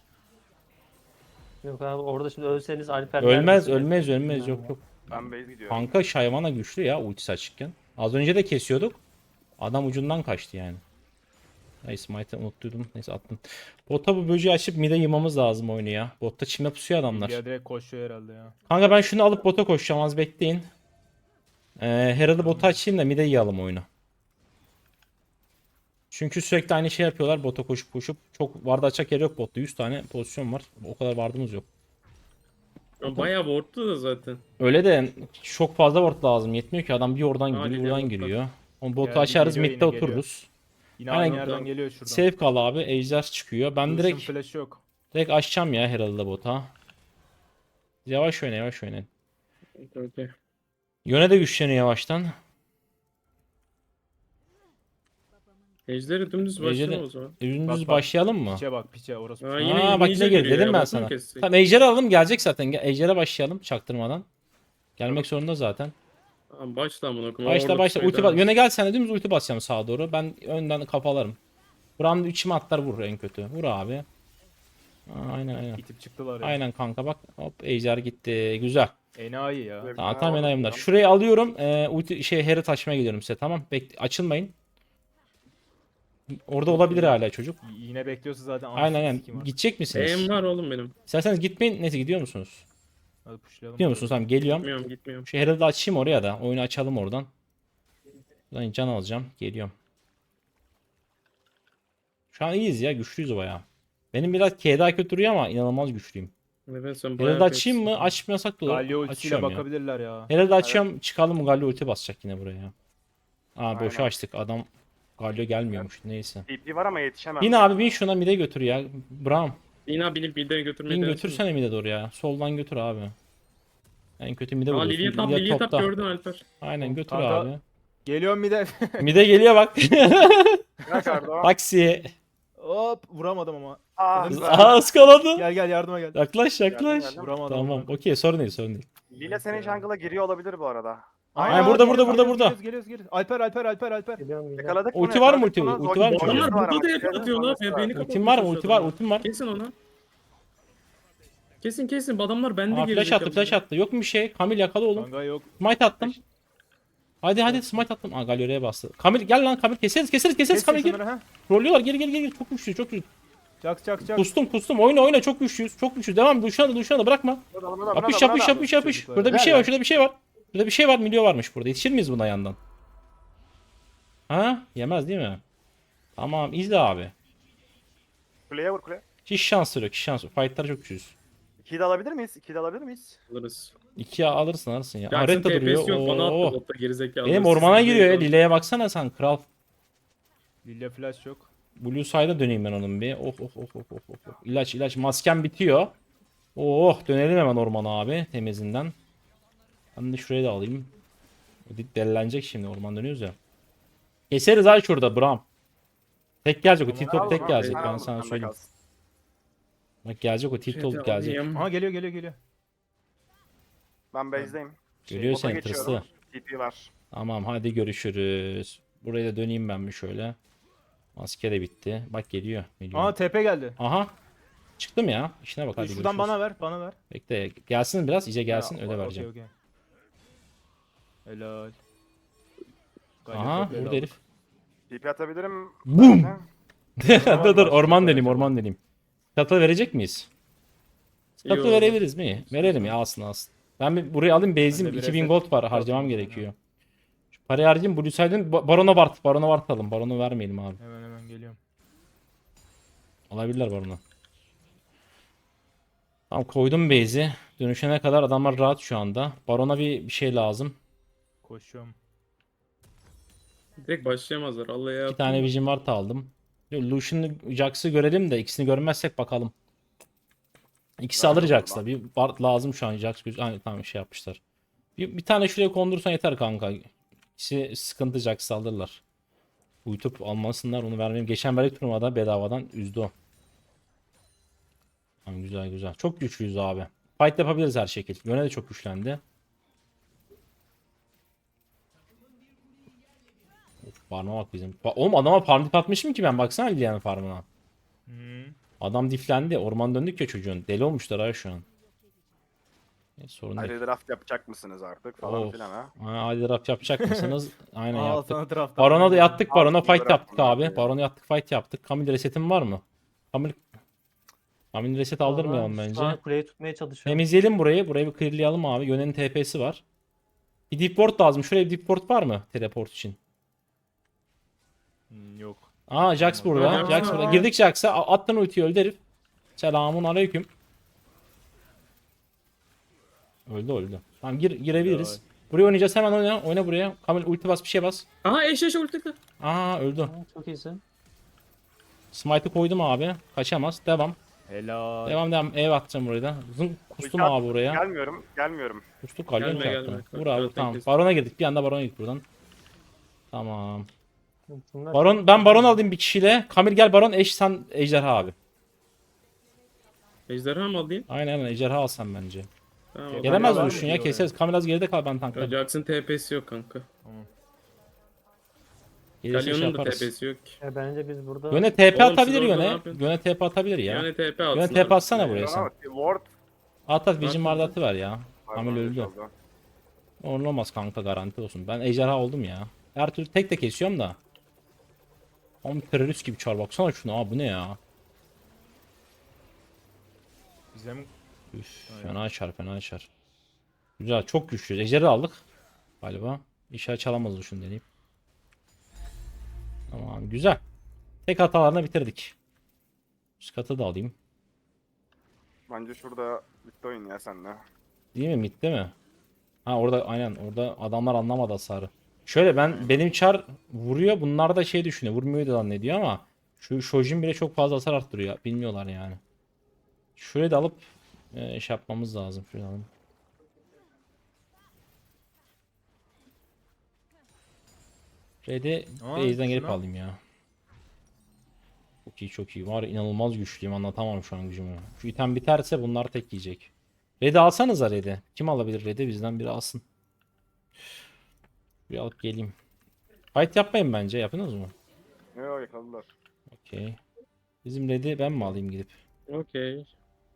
[SPEAKER 5] Yok abi orada şimdi ölseniz Alper
[SPEAKER 1] Ölmez
[SPEAKER 5] neredesin?
[SPEAKER 1] ölmez ölmez,
[SPEAKER 5] Bilmiyorum
[SPEAKER 1] yok
[SPEAKER 5] ya.
[SPEAKER 1] yok.
[SPEAKER 4] Ben base gidiyorum.
[SPEAKER 1] Kanka Shyvana güçlü ya ultisi açıkken. Az önce de kesiyorduk. Adam ucundan kaçtı yani. Neyse smite'ı unuttuydum. Neyse attım. Bota bu böceği açıp mid'e yımamız lazım oyunu ya. Botta çime pusuyor adamlar.
[SPEAKER 2] Lilia direkt koşuyor herhalde ya.
[SPEAKER 1] Kanka ben şunu alıp bota koşacağım, az bekleyin. Herald'ı bota açayım da mid'e yiyalım oyunu. Çünkü sürekli aynı şey yapıyorlar, bota koşup koşup. Çok ward açacak yer yok botta. 100 tane pozisyon var. O kadar ward'ımız yok.
[SPEAKER 3] Ya bayağı ward'tu da zaten.
[SPEAKER 1] Öyle de çok fazla ward lazım. Yetmiyor ki, adam bir oradan
[SPEAKER 3] Aa,
[SPEAKER 1] giriyor,
[SPEAKER 3] Lilia
[SPEAKER 1] buradan
[SPEAKER 3] botta.
[SPEAKER 1] giriyor. O botu
[SPEAKER 2] Geldi,
[SPEAKER 1] açarız,
[SPEAKER 2] geliyor,
[SPEAKER 1] mid'de
[SPEAKER 2] yine geliyor.
[SPEAKER 1] otururuz.
[SPEAKER 2] Yine
[SPEAKER 1] Aynen.
[SPEAKER 2] aynı yerden geliyor şuradan.
[SPEAKER 1] Save kal abi, ejder çıkıyor. Ben
[SPEAKER 2] Lucian
[SPEAKER 1] direkt
[SPEAKER 2] flash yok.
[SPEAKER 1] açacağım ya Herald'ı bota. Yavaş oyna yavaş oyna.
[SPEAKER 3] Okey.
[SPEAKER 1] Yone de güçleniyor yavaştan.
[SPEAKER 3] Ejder'i dümdüz
[SPEAKER 1] Ejder'i-
[SPEAKER 3] başlayalım o zaman.
[SPEAKER 1] Ürünümüz
[SPEAKER 2] Bak, bak.
[SPEAKER 1] başlayalım mı?
[SPEAKER 2] Piçe bak piçe orası.
[SPEAKER 3] Aa,
[SPEAKER 2] piçe.
[SPEAKER 3] yine
[SPEAKER 1] Aa bak
[SPEAKER 3] ninja
[SPEAKER 1] ne geldi
[SPEAKER 3] geliyor
[SPEAKER 1] dedim
[SPEAKER 3] ya,
[SPEAKER 1] ben
[SPEAKER 3] botu mu
[SPEAKER 1] sana.
[SPEAKER 3] kessek?
[SPEAKER 1] Tamam ejderi alalım, gelecek zaten. Ejder'e başlayalım çaktırmadan. Gelmek zorunda zaten.
[SPEAKER 3] Tamam başla amına koyayım.
[SPEAKER 1] Başla
[SPEAKER 3] Orada
[SPEAKER 1] başla.
[SPEAKER 3] tutmayı
[SPEAKER 1] Ulti
[SPEAKER 3] devam.
[SPEAKER 1] Yöne gel, sen de dümdüz ulti basacağım sağa doğru. Ben önden kafalarım. Buramda içime atlar, vur en kötü. Vur abi. Aa, aynen aynen.
[SPEAKER 2] İtip çıktılar ya.
[SPEAKER 1] Aynen kanka bak. Hop ejder gitti. Güzel.
[SPEAKER 2] Enayi ya.
[SPEAKER 4] Evet.
[SPEAKER 1] Tamam
[SPEAKER 4] Ha,
[SPEAKER 1] tamam
[SPEAKER 4] orada
[SPEAKER 1] enayimler.
[SPEAKER 4] duruyorum.
[SPEAKER 1] Şurayı alıyorum. Ulti Herald açmaya gidiyorum size, tamam. Açılmayın. Orada olabilir hala çocuk.
[SPEAKER 2] Yine bekliyorsa zaten.
[SPEAKER 1] Aynen aynen.
[SPEAKER 2] Sikim var.
[SPEAKER 1] Gidecek misiniz?
[SPEAKER 3] E'm var oğlum benim.
[SPEAKER 1] İsterseniz gitmeyin. Neyse gidiyor musunuz?
[SPEAKER 2] Hadi pushlayalım.
[SPEAKER 1] Gidiyor musunuz? Tamam geliyorum.
[SPEAKER 3] Gitmiyorum.
[SPEAKER 1] Şu Herald'ı açayım oraya da. Oyunu açalım oradan. Buradan can alacağım. Geliyorum. Şu an iyiyiz ya. Güçlüyüz bayağı. Benim biraz K daha kötü duruyor ama inanılmaz güçlüyüm.
[SPEAKER 3] Evet sen bayağı
[SPEAKER 1] Herald'ı açayım mı?
[SPEAKER 3] peksin.
[SPEAKER 1] Açmasak da olur.
[SPEAKER 2] Galio ultisiyle
[SPEAKER 1] Açıyorum ya.
[SPEAKER 2] bakabilirler ya.
[SPEAKER 1] Herald'ı açıyorum. Çıkalım. Galio ulti basacak yine buraya. Aa boşa
[SPEAKER 4] Aynen.
[SPEAKER 1] açtık. Adam Galio gelmiyormuş. Neyse.
[SPEAKER 4] TP var ama yetişemem.
[SPEAKER 1] Bin abi bin şuna, mid'e götür ya. Bram.
[SPEAKER 3] Yine binip mid'e götürmeyi
[SPEAKER 1] Bin
[SPEAKER 3] denesene.
[SPEAKER 1] götürsene mid'e doğru ya. Soldan götür abi. En kötü mid'e
[SPEAKER 3] Aa
[SPEAKER 1] vuruyorsun.
[SPEAKER 3] Lilia top
[SPEAKER 1] topta.
[SPEAKER 3] gördün Alper.
[SPEAKER 1] Aynen götür
[SPEAKER 2] Kanka-
[SPEAKER 1] abi.
[SPEAKER 2] Geliyorum bir de.
[SPEAKER 1] Mid'e geliyor bak.
[SPEAKER 4] Bırak Ardo.
[SPEAKER 1] Taksi.
[SPEAKER 2] Hop vuramadım ama.
[SPEAKER 4] Aa,
[SPEAKER 1] Aa ıskaladı.
[SPEAKER 2] Gel gel yardıma gel.
[SPEAKER 1] Yaklaş yaklaş.
[SPEAKER 4] Geldim.
[SPEAKER 2] Vuramadım.
[SPEAKER 1] Tamam okey, sorun değil sorun değil.
[SPEAKER 4] Lilia senin jungle'a giriyor olabilir bu arada.
[SPEAKER 1] Aynen, burada, burada, burada, burada.
[SPEAKER 2] Geliyoruz. Alper.
[SPEAKER 5] Geliyorum geliyorum.
[SPEAKER 4] Yakaladık
[SPEAKER 1] Ulti
[SPEAKER 4] bunu,
[SPEAKER 1] var mı,
[SPEAKER 4] yakaladık
[SPEAKER 1] ulti?
[SPEAKER 4] bunu.
[SPEAKER 1] Ulti var mı?
[SPEAKER 4] Zor-
[SPEAKER 3] Adamlar
[SPEAKER 4] Zor- var ama
[SPEAKER 3] burada da
[SPEAKER 4] dikkat edin,
[SPEAKER 3] atıyorlar.
[SPEAKER 4] sonrası var.
[SPEAKER 3] Beni
[SPEAKER 1] Ultim var mı? Ulti var, ultim var.
[SPEAKER 3] Kesin onu. Kesin adamlar bende
[SPEAKER 1] Aa
[SPEAKER 3] gelecek.
[SPEAKER 1] flash attı, flash attı. Yok mu bir şey? Kamil yakala oğlum.
[SPEAKER 2] Kanka yok.
[SPEAKER 1] Smite attım. Hadi smite attım. Aa Galio'ya bastı. Kamil gel lan Kamil, keseriz
[SPEAKER 2] Kes
[SPEAKER 1] Kamil gir.
[SPEAKER 2] şunları ha.
[SPEAKER 1] Rollüyorlar, geri. Çok güçlü, çok güçlü.
[SPEAKER 2] Çak.
[SPEAKER 1] Kustum. Oyna çok güçlüyüz. Çok güçlü. Devam. Duşana bırakma.
[SPEAKER 4] Buna da,
[SPEAKER 1] Yapış.
[SPEAKER 2] Çocuklar.
[SPEAKER 1] Burada bir şey var. Burada bir şey var. Milyo varmış burada. Yetişir miyiz buna yandan? Ha? Yemez değil mi? Tamam izle abi.
[SPEAKER 4] Kuleye vur kuleye.
[SPEAKER 1] Hiç şans yok. Fight'lar çok güçlüyüz.
[SPEAKER 4] 2'yi de alabilir miyiz?
[SPEAKER 3] Alırız.
[SPEAKER 1] 2'ye alırsın ya.
[SPEAKER 3] Jackson
[SPEAKER 1] Aretta duruyor.
[SPEAKER 3] TP'si yok bana
[SPEAKER 1] Oo.
[SPEAKER 3] attı botta gerizekalı.
[SPEAKER 1] Benim
[SPEAKER 3] Siz
[SPEAKER 1] ormana
[SPEAKER 3] de
[SPEAKER 1] giriyor ya.
[SPEAKER 3] yok.
[SPEAKER 1] Lile'ye baksana sen kral.
[SPEAKER 2] Lilia flash yok.
[SPEAKER 1] Blue side'a döneyim ben onun bir. Oh. İlaç. Maskem bitiyor. Oh dönelim hemen ormana abi temizinden. Ben de şurayı da alayım. Delilenecek şimdi, orman dönüyoruz ya. Keseriz ay şurada Bram. Tek gelecek o
[SPEAKER 2] Tamam,
[SPEAKER 1] T-top tek
[SPEAKER 4] Al,
[SPEAKER 1] gelecek,
[SPEAKER 4] al,
[SPEAKER 1] ben
[SPEAKER 4] al,
[SPEAKER 1] sana
[SPEAKER 4] bende
[SPEAKER 1] söyleyeyim.
[SPEAKER 4] kalsın.
[SPEAKER 1] Bak gelecek o T-top gelecek.
[SPEAKER 3] alayım.
[SPEAKER 2] Aha geliyor.
[SPEAKER 4] Ben base'deyim.
[SPEAKER 1] Görüyor
[SPEAKER 4] Bota
[SPEAKER 1] seni
[SPEAKER 4] geçiyorum.
[SPEAKER 1] tırsı.
[SPEAKER 4] TP var.
[SPEAKER 1] Tamam hadi görüşürüz. Buraya da döneyim ben bir şöyle. Maske de bitti. Bak geliyor.
[SPEAKER 2] Aha TP geldi.
[SPEAKER 1] Aha. Çıktım ya. İşine bak hadi
[SPEAKER 2] Şuradan
[SPEAKER 1] görüşürüz.
[SPEAKER 2] bana ver.
[SPEAKER 1] Bekle gelsin biraz, iyice gelsin öyle
[SPEAKER 2] Ha,
[SPEAKER 1] vereceğim.
[SPEAKER 2] okey. Helal.
[SPEAKER 1] Aha
[SPEAKER 2] TP 'yi de
[SPEAKER 1] burada
[SPEAKER 2] aldık.
[SPEAKER 1] herif.
[SPEAKER 4] TP atabilirim.
[SPEAKER 1] Boom!
[SPEAKER 4] Ben de.
[SPEAKER 1] Dur orman deneyim. Scuttle verecek miyiz? Scuttle
[SPEAKER 3] Yo.
[SPEAKER 1] verebiliriz mi? Verelim ya, alsın. Ben bir buraya alayım, base'im
[SPEAKER 2] Ben de bir
[SPEAKER 1] 2000
[SPEAKER 2] reset
[SPEAKER 1] gold var, harcamam
[SPEAKER 2] yapayım.
[SPEAKER 1] gerekiyor. Şu parayı harcayayım, Blue Side'ın Baron'a Bart. Baron'a Bart alalım. Baron'u vermeyelim abi.
[SPEAKER 2] Hemen geliyorum.
[SPEAKER 1] Alabilirler Baron'u. Tamam koydum base'i. Dönüşene kadar adamlar rahat şu anda. Baron'a bir şey lazım.
[SPEAKER 2] Koşuyorum.
[SPEAKER 3] Direkt başlayamazlar. Allah'a ya.
[SPEAKER 1] 2 tane Vision Ward aldım. Lucian'ı Jax'ı görelim de ikisini görmezsek bakalım. İkisi
[SPEAKER 4] Ben
[SPEAKER 1] alır
[SPEAKER 4] de
[SPEAKER 1] Jax'la. Bir Ward lazım şu an. Jax tamam şey yapmışlar. Bir tane şuraya kondursan yeter kanka. İkisi sıkıntı Jax'ı alırlar. Uyutup almasınlar onu vermeyeyim. Geçen verdik turnuvada bedavadan üzdü o. Tamam, güzel güzel. Çok güçlüyüz abi. Fight yapabiliriz her şekil. Yöne de çok güçlendi. Of, farma bak bizim. Oğlum adama farm dip atmışım ki ben. Baksana Lilian'ın farmına.
[SPEAKER 2] Hı.
[SPEAKER 1] Adam diflendi. Orman döndük ya çocuğun. Deli olmuşlar ha şu an. Sorun değil.
[SPEAKER 4] Hadi draft yapacak mısınız artık falan
[SPEAKER 1] Of.
[SPEAKER 4] filan ha.
[SPEAKER 1] Hadi raf yapacak mısınız? Aynen
[SPEAKER 2] Al
[SPEAKER 1] yaptık.
[SPEAKER 2] sana draft.
[SPEAKER 1] Baron'a da yattık. Baron'a
[SPEAKER 4] Altın
[SPEAKER 1] fight
[SPEAKER 4] draft
[SPEAKER 1] yaptık
[SPEAKER 4] bunlar
[SPEAKER 1] abi.
[SPEAKER 4] ya.
[SPEAKER 1] Baron'a yattık fight yaptık. Kamil resetin var mı? Kamil reset aldırmayalım
[SPEAKER 5] Vallahi
[SPEAKER 1] bence.
[SPEAKER 5] Şu an kuleyi tutmaya çalışıyorum.
[SPEAKER 1] Temizleyelim burayı. Burayı bir clearlayalım abi. Yönenin TP'si var. Bir deep ward lazım. Şuraya bir deep ward var mı? Teleport için.
[SPEAKER 2] Yok.
[SPEAKER 1] Aa Jax burada.
[SPEAKER 3] Hadi
[SPEAKER 1] Jax
[SPEAKER 3] ama.
[SPEAKER 1] burada. Girdik Jax'a. Attın ultiyi öldü herif. Selamun aleyküm. Öldü. Tamam girebiliriz. Buraya oynayacağız. Hemen oyna. Oyna buraya. Kamil ulti bas bir şey bas.
[SPEAKER 3] Aha eş ulti.
[SPEAKER 1] Aa öldü.
[SPEAKER 5] Ha, çok iyisin.
[SPEAKER 1] Smite'ı koydum abi. Kaçamaz. Devam.
[SPEAKER 2] Helal.
[SPEAKER 1] Devam. Ev atacağım burayı da. Zın kustum
[SPEAKER 4] Ulti at-
[SPEAKER 1] abi buraya.
[SPEAKER 4] Gelmiyorum.
[SPEAKER 1] Kustuk kalyon
[SPEAKER 3] Gelme,
[SPEAKER 1] çarptı.
[SPEAKER 3] gelme.
[SPEAKER 1] Vur
[SPEAKER 3] Bak,
[SPEAKER 1] abi
[SPEAKER 3] zaten
[SPEAKER 1] tamam.
[SPEAKER 3] kesin.
[SPEAKER 1] Barona girdik. Bir anda barona gittik buradan. Tamam.
[SPEAKER 5] Bunlar
[SPEAKER 1] Ben baron alayım bir kişiyle. Kamil gel baron eş sen ejderha abi.
[SPEAKER 3] Ejderha mı alayım?
[SPEAKER 1] Aynen ejderha alsan bence.
[SPEAKER 3] Tamam.
[SPEAKER 1] Gelemez
[SPEAKER 2] var mı
[SPEAKER 1] Lucian ya
[SPEAKER 2] diyor
[SPEAKER 1] keseriz. Kamil az geride kal ben tanklarım.
[SPEAKER 3] Jax'ın TP'si yok kanka.
[SPEAKER 1] Gelirse şey
[SPEAKER 3] Galyon'un da
[SPEAKER 1] yaparız.
[SPEAKER 3] TP'si yok ki.
[SPEAKER 5] Bence biz burada
[SPEAKER 1] Yöne TP
[SPEAKER 3] Oğlum,
[SPEAKER 1] atabilir
[SPEAKER 3] siz orada ne
[SPEAKER 1] yöne.
[SPEAKER 3] yapıyorsun?
[SPEAKER 1] Yöne TP atabilir ya.
[SPEAKER 3] Yani TP atsın.
[SPEAKER 1] Yöne TP
[SPEAKER 3] abi.
[SPEAKER 1] atsana buraya sen.
[SPEAKER 4] Ama ward
[SPEAKER 1] At Vision
[SPEAKER 3] At,
[SPEAKER 1] vardı
[SPEAKER 3] at.
[SPEAKER 1] atıver ya. Kamil öldü. Olmaz kanka garanti olsun. Ben ejderha oldum ya. Her türlü tek de kesiyorum da. Ama terörist gibi çar baksana şuna abi bu ne ya.
[SPEAKER 2] Bize mi?
[SPEAKER 1] Üf, fena çar. Güzel çok güçlü. Ejderi aldık. Galiba. İşaret çalamaz şunu deneyip. Tamam güzel. Tek hatalarını bitirdik. Üst katı da alayım.
[SPEAKER 4] Bence şurada bitti oyun ya senle.
[SPEAKER 1] Değil mi? Mid değil mi? Ha orada aynen orada adamlar anlamadı hasarı. Şöyle benim çar vuruyor. Bunlar da şey düşünüyor. Vurmuyor da zannediyor ama şu Shojin bile çok fazla hasar arttırıyor. Bilmiyorlar yani. Şurayı da alıp şey yapmamız lazım. Şurayı alalım. Red'i base'den gelip
[SPEAKER 2] şuna.
[SPEAKER 1] alayım ya. Çok iyi. Var ya, inanılmaz güçlüyüm. Anlatamam şu an gücümü. Şu item biterse bunlar tek yiyecek. Red'i alsanıza Red'i. Kim alabilir Red'i? Bizden biri alsın. Bir alıp geleyim. Fight yapmayın bence. Yapınız mı?
[SPEAKER 4] Yok yakaladılar.
[SPEAKER 1] Okey. Bizim Red'i ben mi alayım gidip?
[SPEAKER 3] Okey.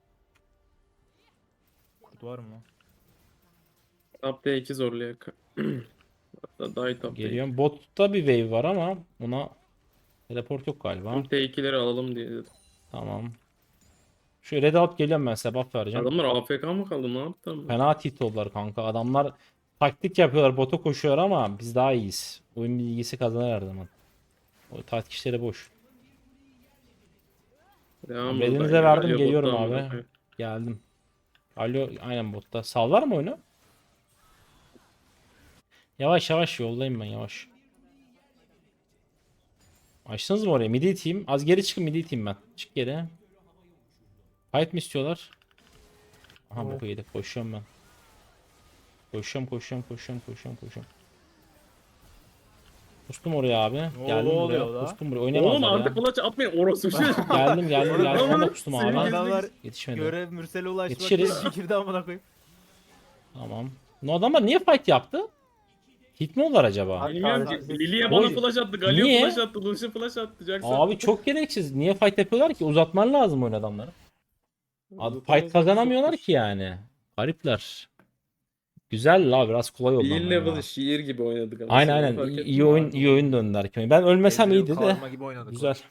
[SPEAKER 2] Kurt var mı?
[SPEAKER 3] Top D2 zorlayak. Hatta daha top D2.
[SPEAKER 1] Geliyorum. Botta bir wave var ama ona teleport yok galiba.
[SPEAKER 3] T2'leri alalım diye dedim.
[SPEAKER 1] Tamam. Şu Red'i alıp geliyorum ben size buff vereceğim.
[SPEAKER 3] Adamlar AFK mı kaldı? Ne yaptı ama?
[SPEAKER 1] Fena tilt oldular kanka. Adamlar taktik yapıyorlar. Bota koşuyor ama biz daha iyiyiz. Oyun bilgisi kazanır her zaman. O taktik işleri boş.
[SPEAKER 3] Devam
[SPEAKER 1] Red'inize
[SPEAKER 3] buradan ya.
[SPEAKER 1] verdim,
[SPEAKER 3] Alo,
[SPEAKER 1] geliyorum
[SPEAKER 3] bottan
[SPEAKER 1] abi.
[SPEAKER 3] bırakıyor.
[SPEAKER 1] Geldim. Alo aynen botta. Sallar mı oyunu? Yavaş yoldayım ben yavaş. Açtınız mı oraya? Midi iteyim. Az geri çıkın midi iteyim ben. Çık geri. Fight mi istiyorlar? Aha
[SPEAKER 5] Evet.
[SPEAKER 1] boku yedik. Koşuyorum ben. Koşuyorum. Kustum oraya abi. Geldim
[SPEAKER 2] oluyor
[SPEAKER 1] buraya.
[SPEAKER 2] da?
[SPEAKER 1] Kustum buraya.
[SPEAKER 3] Oğlum
[SPEAKER 1] Oynamazlar
[SPEAKER 3] artık
[SPEAKER 1] ya.
[SPEAKER 3] flash atmayın orospu şey.
[SPEAKER 1] Geldim. Ben de kustum abi.
[SPEAKER 2] Adamlar
[SPEAKER 1] Yetişmedi.
[SPEAKER 2] görev Mürsel'e ulaşmak
[SPEAKER 1] Yetişiriz.
[SPEAKER 2] için girdi amına koyayım.
[SPEAKER 1] Tamam. Bu adamlar niye fight yaptı? Hit mi oldular acaba?
[SPEAKER 3] Bilmiyorum
[SPEAKER 5] Abi,
[SPEAKER 3] ki. Lilia bana
[SPEAKER 1] Oy.
[SPEAKER 3] flash attı. Galio
[SPEAKER 1] Niye?
[SPEAKER 3] flash attı. Lucian flash attı. Jackson.
[SPEAKER 1] Abi çok gereksiz. Niye fight yapıyorlar ki? Uzatman lazım oyun adamları. Abi
[SPEAKER 3] Zaten
[SPEAKER 1] fight kazanamıyorlar ki yani. Garipler. Güzel la biraz kolay oldu.
[SPEAKER 3] Bir
[SPEAKER 1] ama
[SPEAKER 3] level'ı
[SPEAKER 1] ya.
[SPEAKER 3] şiir gibi oynadık.
[SPEAKER 1] Aynen
[SPEAKER 3] Fark ettin
[SPEAKER 1] iyi
[SPEAKER 3] mi?
[SPEAKER 1] oyun döndüler. Ben ölmesem iyiydi de.
[SPEAKER 2] Gibi oynadık.
[SPEAKER 1] Güzel.